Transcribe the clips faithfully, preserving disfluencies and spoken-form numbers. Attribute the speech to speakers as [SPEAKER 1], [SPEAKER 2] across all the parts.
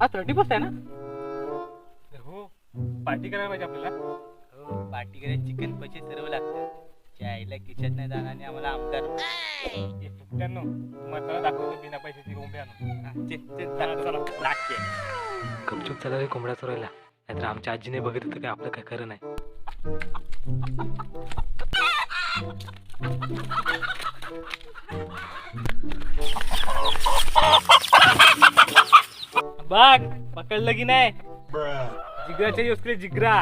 [SPEAKER 1] हा thirty first आहे ना?
[SPEAKER 2] हो पार्टी करायला पाहिजे आपल्याला.
[SPEAKER 1] हो पार्टी करायला चिकन पैसे सर्व लागतात. आईला किचन नाही जाणार आणि आम्हाला आमदार
[SPEAKER 2] सुट्ट्यांनो तुम्हाला दाखवतो बिना पैशाची कोंबडी आणून.
[SPEAKER 3] गपचूप चला रे कोंबड्या चोरायला, नाहीतर आमच्या आजीने बघितलं तर काय आपलं काय खरं नाही.
[SPEAKER 2] बघ पकडलं की नाही, जिगराच्या युसकडे जिगरा.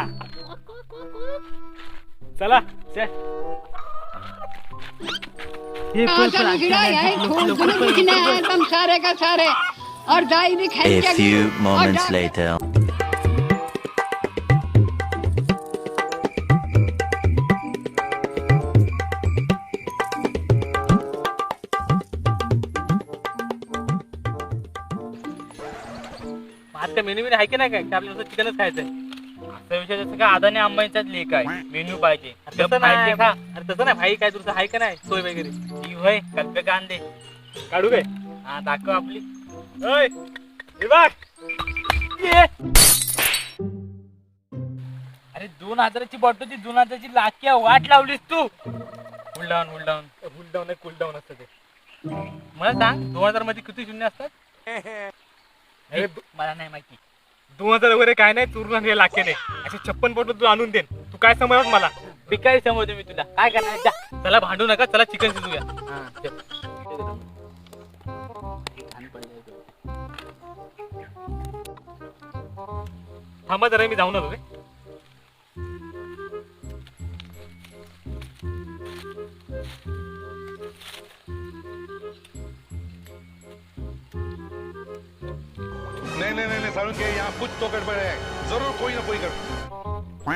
[SPEAKER 2] चला चल.
[SPEAKER 4] सारे का सारे और diary
[SPEAKER 5] A few moments later.
[SPEAKER 2] आज का मेन्यू आहे की नाही काय, आपल्याला चिकनच खायचंय.
[SPEAKER 1] असं विषय जसं का अदानी अंबानीचाच लेख आहे, मेन्यू पाहिजे
[SPEAKER 2] तसं नाही
[SPEAKER 1] खा.
[SPEAKER 2] अरे तसं नाही भाई, काय तुझं आहे का नाही सोय वगैरे?
[SPEAKER 1] ती होय कल्पे कांदे
[SPEAKER 2] काढू काय?
[SPEAKER 1] हा दाखव आपली.
[SPEAKER 2] ओय हे बघ. ये.
[SPEAKER 1] अरे दोन हजाराची बॉटल होती, दोन हजाराची लाख्या वाट लावलीस तू. हुल डाऊन हुल डाऊन
[SPEAKER 2] कूल डाऊन आहे, कूल डाऊन असतं ते.
[SPEAKER 1] मला सांग दोन हजार मध्ये किती शून्य असतात?
[SPEAKER 2] अरे
[SPEAKER 1] मला नाही माहिती.
[SPEAKER 2] दोन हजार वगैरे काय नाही, चुरून आणले लाखेने असे छप्पन बोट तू आणून देन. तू काय समजत मला?
[SPEAKER 1] भिकारी समजतो मी तुला. काय करणार जा.
[SPEAKER 2] चला भांडू नका, चला चिकन शिजूया.
[SPEAKER 1] हा, चल.
[SPEAKER 2] थांबा जरा, मी जाऊन आलो रे.
[SPEAKER 6] नहीं नहीं नहीं सारुण के यहाँ कुछ तो गड़बड़ है, जरूर कोई ना कोई गड़बड़.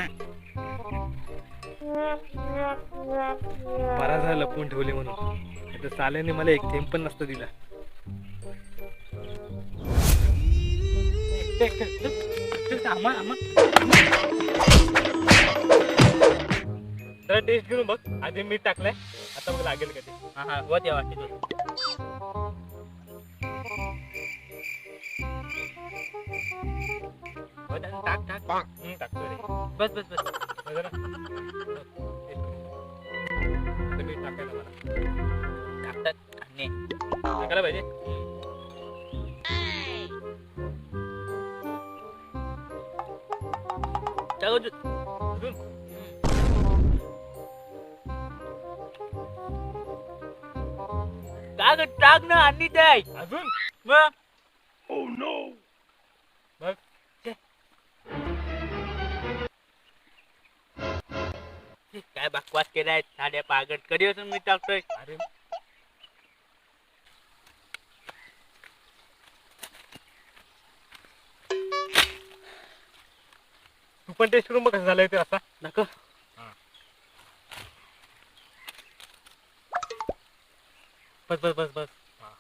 [SPEAKER 2] बरा झाला लपवून ठेवले म्हणून, आता साल्याने मला एक थेंब पण नसतं दिला. जरा टेस्ट घेऊन बघ. आधी मीठ टाकलंय, आता बघ लागेल का ते.
[SPEAKER 1] हा हा वर द्या वाटते. टाक टाक
[SPEAKER 2] हम्म, टाकतोय रे.
[SPEAKER 1] बस बस बस.
[SPEAKER 2] बघ जरा. आता मीठ टाकायला मला
[SPEAKER 1] टाकतात आणि
[SPEAKER 2] टाकायला पाहिजे.
[SPEAKER 1] टाकू दे.
[SPEAKER 2] अजून
[SPEAKER 1] टाक टाक ना आणि द्याय
[SPEAKER 2] अजून
[SPEAKER 1] मग.
[SPEAKER 2] बघ.
[SPEAKER 1] काय बकवास केलाय साड्या पागट. कधी असून मी टाकतोय.
[SPEAKER 2] अरे तू पण टेस्ट करून बघ कसं झालंय ते. असा
[SPEAKER 1] नको.
[SPEAKER 2] बस बस बस बस.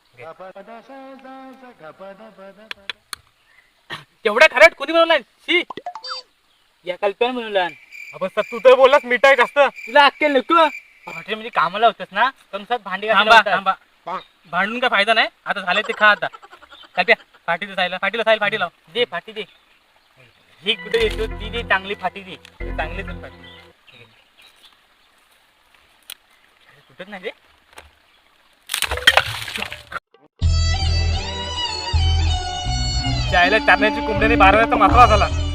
[SPEAKER 1] तेवढ्या खरट कोणी बनवलाय? शी या कल्पना बनवला.
[SPEAKER 2] आपण तू तर बोललास मीठ आहे जास्त.
[SPEAKER 1] तुला अक्कल नको. हॉटेलमध्ये कामाला होतस ना, कमसात भांडी घासायला
[SPEAKER 2] थांबा
[SPEAKER 1] होतात.
[SPEAKER 2] थांबा, भांडून काय फायदा नाही. आता झाले ते खा. आता कल्प्या फाटी सायला फाटीला सायला फाटी लाव.
[SPEAKER 1] दे फाटी दे. ही कुठे येतो ती दे, चांगली फाटी दे.
[SPEAKER 2] चांगली तर फाटी.
[SPEAKER 1] कुठच नाही दे.
[SPEAKER 2] चायला चारण्याची कोंबड्याने बाराव्याचा मसाला झाला.